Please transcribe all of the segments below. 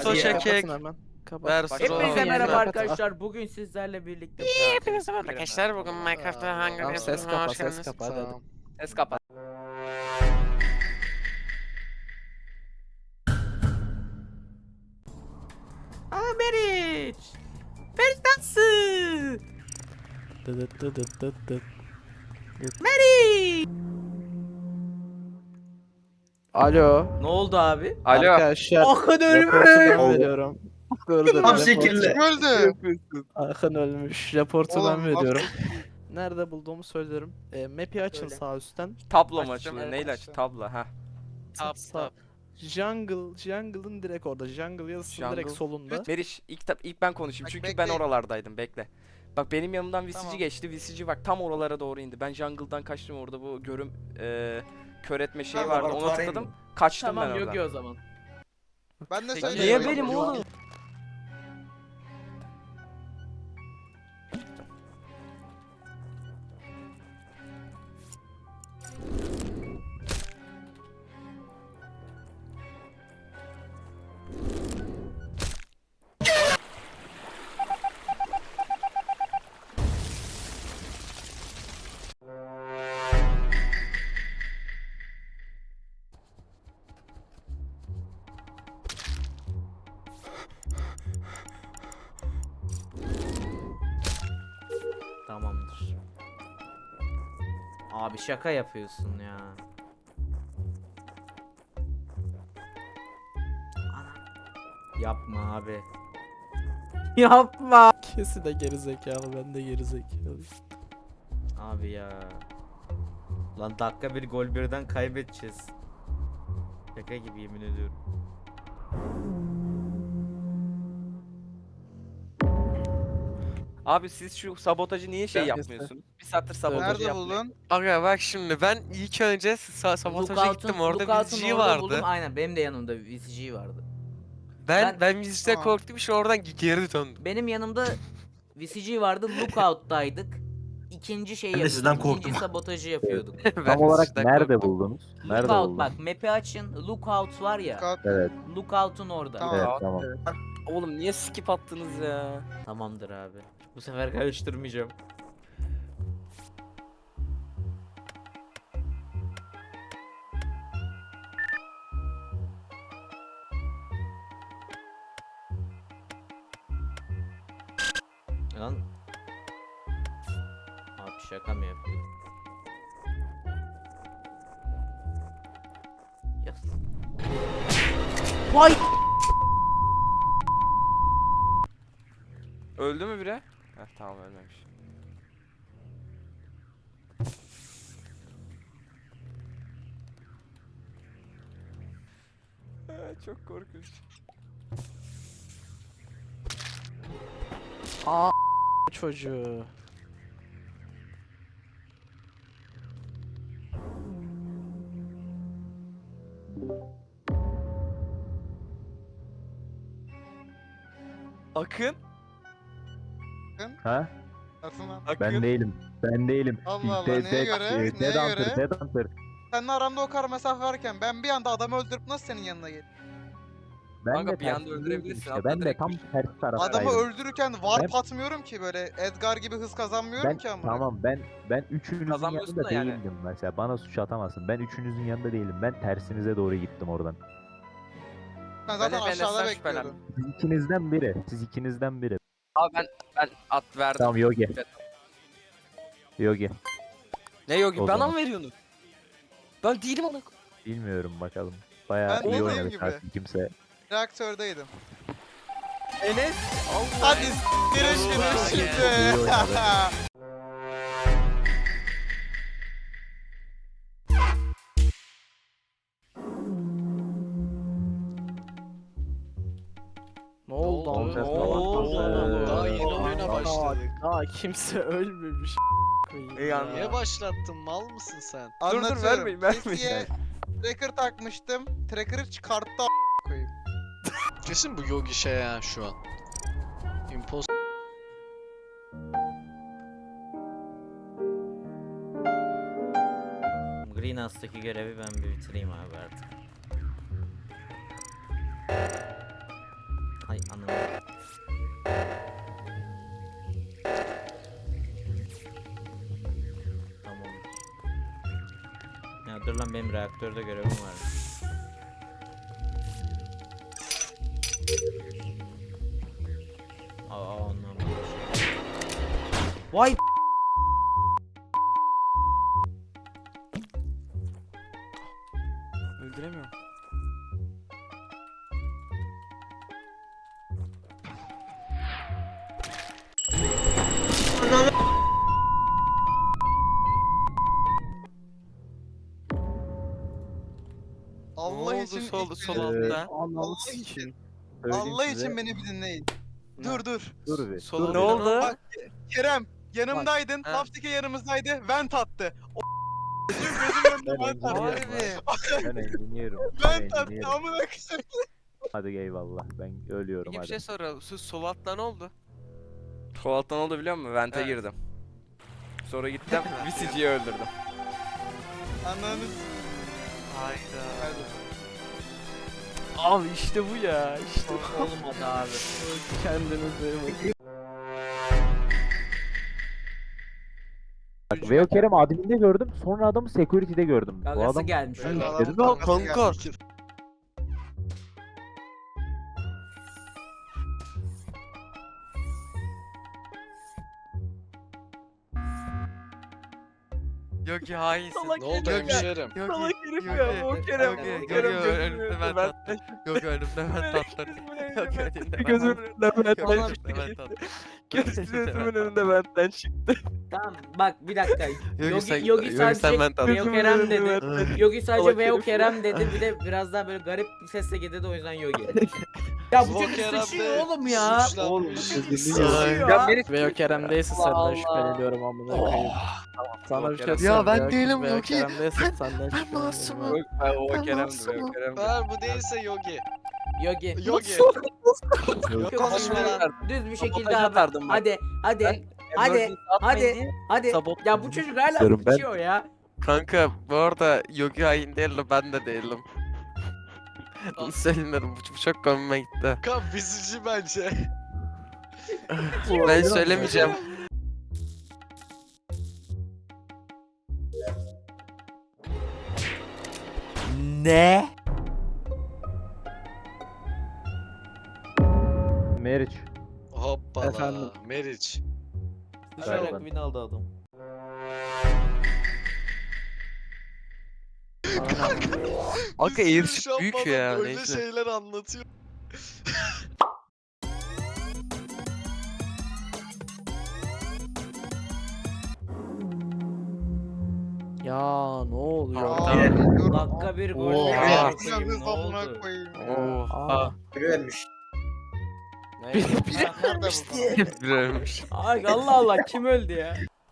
Verso çekek. Kapatın hemen. Kapat. Verso. Hepinize merhaba Kapat. arkadaşlar. Bugün sizlerle birlikte Hepinize merhaba arkadaşlar. Bugün Minecraft'ta hangi Tamam, bir ses kapa, ses kapa. Hadi. Tamam. ses kapat. Meriç. Meriç dansı. Dıdıt dıdıt dıt dıt. Meriç. Alo. Ne oldu abi? Alo. Arkadaşlar. Akın Raportu ben ölmüş. veriyorum. Gördüm. Tam raportu- şekilde. Öldü. Akın ölmüş. Raportu ben Oğlum, veriyorum. Nerede bulduğumu söylerim. Map'i açın Söyle. sağ üstten. Tablo mu Açtım, açılıyor? evet, Neyle aç? açtım. Tablo ha. Sağ. Jungle'ın direkt orada. Jungle yazısının direkt Jungle. solunda. Meriç ilk ben konuşayım Bak, çünkü ben bekleyin. oralardaydım bekle. Bak benim yanımdan VCG Tamam. geçti. VCG bak tam oralara doğru indi. Ben jungle'dan kaçtım orada bu görüm kör etme şeyi Tamam, vardı. bak, Ona arayın tıkladım. Kaçtım Tamam ben oradan. Yogi o zaman. Ben de Peki, söyleyeyim. Niye benim oğlum? Tamamdır. Abi şaka yapıyorsun ya. Ana. Yapma abi. Yapma. Kesi de gerizekalı, ben de gerizekalı. Abi ya. Lan dakika bir gol birden kaybedeceğiz. Şaka gibi yemin ediyorum. Abi siz şu sabotajı niye şey Ben yapmıyorsunuz? Bir saattir sabotajı Nerede yapmayın. buldun? Aga bak şimdi ben ilk önce sabotaja gittim, orada Lookout'un VCG orada vardı. buldum. Aynen benim de yanımda VCG vardı. Ben VCG'den Tamam. korktum, işte oradan geri döndüm. Benim yanımda VCG vardı. Lookout'taydık. İkinci şeyi Ben de yapıyorduk. sizden İkinci korktum. sabotajı yapıyorduk. Ben Tam olarak VCG'den nerede korktum. buldunuz? Nerede Lookout buldun? bak map'i açın. Lookout var ya. Kat- Evet, Lookout'un orada. Tamam. evet tamam. Oğlum niye skip attınız ya? Tamamdır abi. Bu sefer karıştırmayacağım. Lan. Abi şaka mı yapıyor? Yes. Vay! Öldü mü biri? Heh tamam ölmemiş. Çok korkunç. Çocuğu. Akın? Ha? Atın lan. Akın? Ben değilim. Ben değilim. Allah Allah, Dead- neye göre? Neye Dead Hunter, göre? Dead Hunter. Seninle aramda o kadar mesafe varken ben bir anda adamı öldürüp nasıl senin yanına geldim? Ben Kanka, de bir anda tersindeydim öldürebilirsin, işte. atla Ben de direkt tam düş. ters taraftaydım. Adamı öldürürken warp Ben- atmıyorum ki, böyle Edgar gibi hız kazanmıyorum Ben ki ama. tamam ben üçünüzün Kazanmıyorsun yanında da yani. değildim mesela. Bana suç atamazsın. Ben üçünüzün yanında değilim. Ben tersinize doğru gittim oradan. Sen zaten Ben aşağıda Enes'ten bekliyordun. Siz ikinizden biri. Siz ikinizden biri. Abi ben at verdim. Tamam Yogi. Evet. Yogi. Ne Yogi? O Bana zaman. mı veriyorsun? Ben değilim ona. Bilmiyorum bakalım. Bayağı Ben iyi dediğim oynadık gibi. artık kimse. Reaktördeydim. Enes. Hadi görüşürüz İyi şimdi. oynadı. Ne oldu? oldu? Ne oldu? Daha yeni oyuna başladık. Aa kimse ölmemiş. Yani Niye başlattın? Mal mısın sen? Anlatıyorum. vermeyin, vermeyin. Jesse'ye tracker takmıştım. Tracker'ı çıkarttı a** koyayım. Kesin bu Yogi şey ya şu an. Imposter. Greenhouse'daki görevi ben bir bitireyim abi artık. Ay anam. Tamam. Ya dur lan benim reaktörde görevim var. Anam. Vay Öldüremiyorum. Ne Allah oldu için sol ilk sol beni- altta? Ananı Allah sikeyim. için. Söyleyeyim Allah size. için beni bir dinleyin. Dur dur. Dur bir. Sol dur altta bir. oldu? Bak Kerem yanımdaydın. Ha. Lapstik'e yanımızdaydı. Vent attı. O gözümün önünde Ben vent attı. engineer'im. Harbi. Ben engineer'im. Ben Vent attı. engineer'im. Amına koyayım. Hadi eyvallah. Ben ölüyorum Peki bir hadi. şey soralım. Şu sol altta ne oldu? Sol alttan oldu biliyor musun? Vent'e Evet. girdim. Sonra gittim VCG'yi öldürdüm. Ananı Hayda. Abi işte bu ya. İşte olmadı abi. kendinize bakın. Bak Veo Kerem adminde gördüm. Sonra adamı security'de gördüm. Bu Gagası adam gelmiş. Öyle adam dedim ya, kankası kanka. gelmiş. Yok ya hainsin. Salak Ne oldu Yok, hemşerim? Yok Salak herif ya, yok, o Kerem, yok, o yok, Kerem yok, gözümün önümde önünde ben ben tattım. Yok önümde ben tattım. Yok önümde Gözümün önünde Yok benden önümde çıktı. ben tattım. Gözümün önünde benden çıktı. Tamam bak bir dakika. Yogi sen Yogi sen sadece ben tattım. Veo Kerem dedi. Yogi sadece Salak Veo herif Kerem dedi. Bir de biraz daha böyle garip bir sesle gidedi o yüzden Yogi. Ya bu Veo çocuk Kerem sıçıyor de oğlum ya. suçlanmış. Sıçıyor Ya ya. Veo Kerem değilse senden şüpheleniyorum amına koyayım. Sana bir şey Ya söyleyeyim. ben Veo- değilim Veo Yogi. Kerem değilse senden şüpheleniyorum. masumum. Yok ben o Ben Kerem'di. masumum. O Kerem'di. Eğer bu değilse Yogi. Yogi. Yogi. Yok, Konuşma lan. Düz bir şekilde Sabotaj abi. atardım bak. Hadi. Hadi. Ya bu çocuk hala Diyorum ben. sıçıyor ya. Kanka bu arada Yogi hain değil de ben de değilim. Bunu söyleyeyim dedim. Bu çok komime gitti. Kan bizici bence. Ben söylemeyeceğim. Ne? Meriç. Hoppala. Efendim? Meriç. Galiba. win aldı adam. Kanka Bir eğrisi sürü büyük şampanya ya. Öyle Neyse. şeyler anlatıyor. Ya ne oluyor? Aa, Aa, dur. Dakika bir gol. Oha. verdi. Ya Ne hız amına oldu? koyayım. Oha. Nerede bu? Bir ölmüş. Ay Allah Allah kim öldü ya?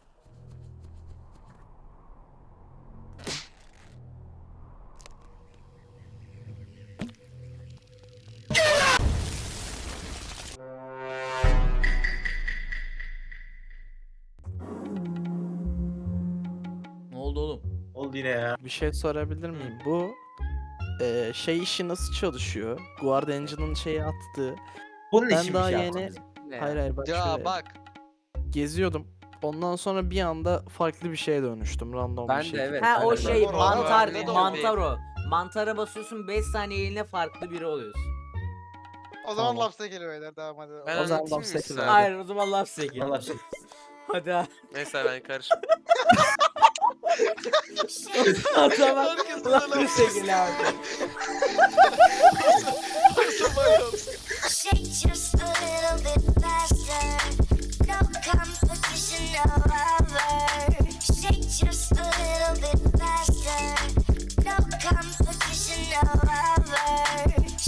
Ne oldu oğlum? Bir şey sorabilir miyim? Bu şey işi nasıl çalışıyor? Guard Engine'ın şeyi attı. Bunun Ben daha yeni hayır bak Ya şöyle. bak. Geziyordum. Ondan sonra bir anda farklı bir şeye dönüştüm random Ben bir de şekilde. evet. Ha o ben de. şey Doğru, mantar, öyle de mantar o. Mantara basıyorsun 5 saniyeliğine farklı biri oluyorsun. O zaman Tamam. lapse geliyor beyler devam hadi. Ben O zaman anlatayım mı laf size? Hadi. Hayır o zaman laf seki. Hadi ha. Neyse ben karışım. O zaman Herkes laf laf seki abi.